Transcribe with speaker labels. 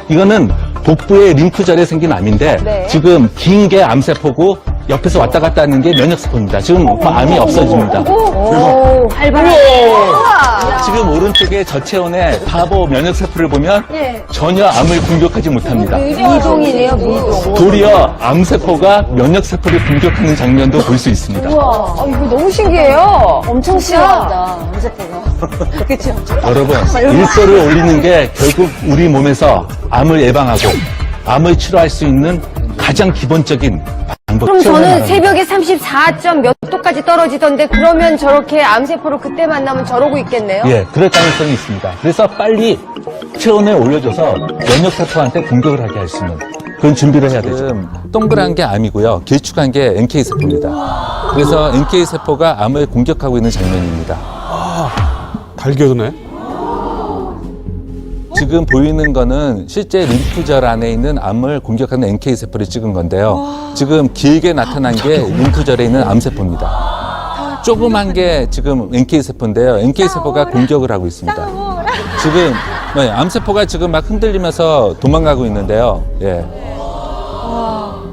Speaker 1: 이거는 복부의 림프절에 생긴 암인데
Speaker 2: 네.
Speaker 1: 지금 긴 게 암세포고 옆에서 왔다 갔다 하는 게 면역세포입니다. 지금 암이 없어집니다.
Speaker 2: 오, 활발하네.
Speaker 1: 지금 오른쪽에 저체온의 바보 면역세포를 보면
Speaker 2: 예.
Speaker 1: 전혀 암을 공격하지 못합니다.
Speaker 2: 미동이네요, 미동.
Speaker 1: 도리어 암세포가 면역세포를 공격하는 장면도 볼 수 있습니다.
Speaker 2: 우와, 이거 너무 신기해요. 엄청 신기하다, 암세포가. 그쵸?
Speaker 1: 여러분, 일소를 올리는 게 결국 우리 몸에서 암을 예방하고 암을 치료할 수 있는 가장 기본적인 방법.
Speaker 2: 그럼 저는 새벽에 34점 몇 도까지 떨어지던데 그러면 저렇게 암세포를 그때 만나면 저러고 있겠네요?
Speaker 1: 예, 그럴 가능성이 있습니다. 그래서 빨리 체온을 올려줘서 면역세포한테 공격을 하게 할 수 있는 그런 준비를 해야 되죠. 동그란 게 암이고요. 길쭉한 게 NK세포입니다. 그래서 NK세포가 암을 공격하고 있는 장면입니다.
Speaker 3: 달겨드네.
Speaker 1: 지금 보이는 거는 실제 림프절 안에 있는 암을 공격하는 NK세포를 찍은 건데요. 지금 길게 나타난 게 림프절에 있는 암세포입니다. 조그만 게 지금 NK세포인데요. NK세포가 공격을 하고 있습니다. 지금 암세포가 지금 막 흔들리면서 도망가고 있는데요. 예.